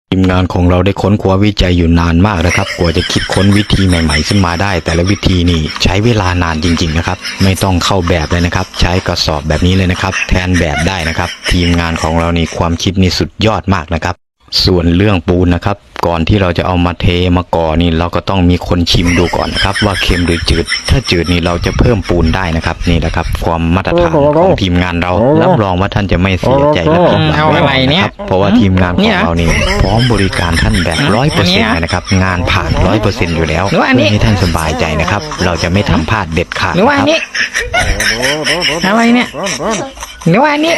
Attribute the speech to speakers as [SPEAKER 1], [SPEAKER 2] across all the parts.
[SPEAKER 1] ทีมงานของเราได้ค้นคว้าวิจัยอยู่นานมากนะครับกว่าจะคิดค้นวิธีใหม่ๆขึ้นมาได้ แต่ละวิธีนี่ใช้เวลานานจริงๆนะครับไม่ต้องเข้าแบบเลยนะครับใช้กระสอบแบบนี้เลยนะครับแทนแบบได้นะครับทีมงานของเรานี่ความคิดนี่สุดยอดมากนะครับส่วนเรื่องปูนนะครับก่อนที่เราจะเอามาเทมาก่อนี่เราก็ต้องมีคนชิมดูก่อนนะครับว่าเค็มหรือจืดถ้าจืดนี่เราจะเพิ่มปูนได้นะครับนี่แหละครับความมาตรฐานของทีมงานเรารับรองว่าท่านจะไม่เสียใจและผิดหวัง
[SPEAKER 2] เอาอะไรเนี่ย
[SPEAKER 1] เพราะว่าทีมงานของเรานี่พร้อมบริการท่านแบบ100%เลยนะครับงานผ่าน100%อยู่แล้ว
[SPEAKER 2] หรือว่าอันนี้
[SPEAKER 1] เพื่อให้ท่านสบายใจนะครับเราจะไม่ทำพลาดเด็ดขาด
[SPEAKER 2] หรือว่าอัน
[SPEAKER 1] นะ
[SPEAKER 2] นี้อะไรเนี่ยหรือว่าอันนี้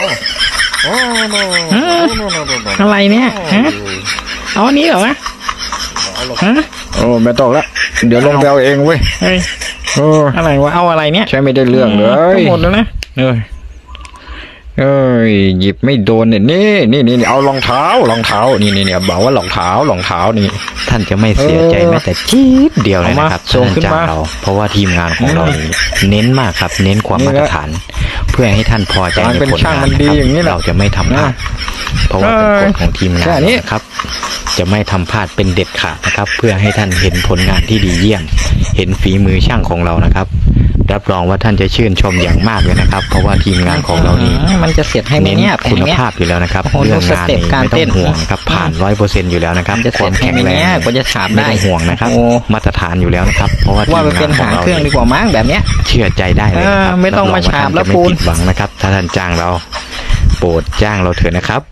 [SPEAKER 2] อะไรเนี่ยฮะเอาอันนี้เหรอวะฮะ
[SPEAKER 3] โอ้ไม่ต้องละเดี๋ยวลงไปเอาเองเว้ย
[SPEAKER 2] เฮ้ย
[SPEAKER 3] โอ้
[SPEAKER 2] อะไรวะเอาอะไรเนี่ย
[SPEAKER 3] ใช้ไม่ได้เรื่องเลย
[SPEAKER 2] ทั้งหมดแล้วนะ
[SPEAKER 3] เอ้ยหยิบไม่โดนเนี่ยนี่เอารองเท้ารองเท้านี่บอกว่ารองเท้นี่
[SPEAKER 1] ท่านจะไม่เสียใจแม้แต่จี๊ดเดียวเลยนะครับ
[SPEAKER 3] เอามาส่งขึ้น
[SPEAKER 1] ท่าน
[SPEAKER 3] มา
[SPEAKER 1] จ้างเราเพราะว่าทีมงานของเรานี่เน้นมากครับเน้นความมาตรฐาน เพื่อให้ท่านพอใจใน
[SPEAKER 3] เป็น
[SPEAKER 1] ผล
[SPEAKER 3] ช่าง
[SPEAKER 1] งาน
[SPEAKER 3] มัน
[SPEAKER 1] นะ
[SPEAKER 3] ดี
[SPEAKER 1] ครับ
[SPEAKER 3] อย่างนี้แหละ
[SPEAKER 1] เราจะไม่ทำพลาดเพราะว่าเป็นกฎของทีมงาน
[SPEAKER 3] แค่นี้
[SPEAKER 1] นะครับ จะไม่ทำพลาดเป็นเด็ดขาดนะครับ เพื่อให้ท่านเห็นผลงานที่ดีเยี่ยม เห็นฝีมือช่างของเรานะครับ รับรองว่าท่านจะชื่นชมอย่างมากเลยนะครับ เพราะว่าทีมงานของเรานี่
[SPEAKER 2] มันจะเสร็จให้ไหม
[SPEAKER 1] เน้น
[SPEAKER 2] เนี่ยแผ
[SPEAKER 1] คุ
[SPEAKER 2] ง
[SPEAKER 1] ณ
[SPEAKER 2] เนี้ย
[SPEAKER 1] ภาพอยู่แล้วนะครับ
[SPEAKER 2] โอ้โห
[SPEAKER 1] เรื่องงาน
[SPEAKER 2] สเต็ป
[SPEAKER 1] นี่
[SPEAKER 2] การ
[SPEAKER 1] ไม่ต้
[SPEAKER 2] เต้
[SPEAKER 1] อน งห่วงนะครับผ่าน100%อยู่แล้วนะครับ
[SPEAKER 2] จะเส
[SPEAKER 1] ค
[SPEAKER 2] ร็
[SPEAKER 1] วา
[SPEAKER 2] จ
[SPEAKER 1] ม
[SPEAKER 2] ให้
[SPEAKER 1] แข็ง
[SPEAKER 2] ไหม
[SPEAKER 1] แรง
[SPEAKER 2] เนี่ยกว่าจะฉาบ
[SPEAKER 1] ไม่
[SPEAKER 2] ได้
[SPEAKER 1] ต้องห่วงนะครับ
[SPEAKER 2] โอ้
[SPEAKER 1] มาตรฐานอยู่แล้วนะครับ เพราะว่าที
[SPEAKER 2] ว่าม มัน
[SPEAKER 1] งา
[SPEAKER 2] เป็น น
[SPEAKER 1] ของ
[SPEAKER 2] หาง
[SPEAKER 1] เรา
[SPEAKER 2] เครื่องดีกว่ามั้งแบบเนี้ย
[SPEAKER 1] เชื่อใจได้เลยนะครับ
[SPEAKER 2] ไม่ต้องมา
[SPEAKER 1] รับรว่
[SPEAKER 2] ฉาบ
[SPEAKER 1] ท่น
[SPEAKER 2] แล้ว
[SPEAKER 1] จะไม่
[SPEAKER 2] ปูน
[SPEAKER 1] ผิดหวังนะครับ ถ้าท่านจ้างเราโปรดจ้างเราเถอะนะครับ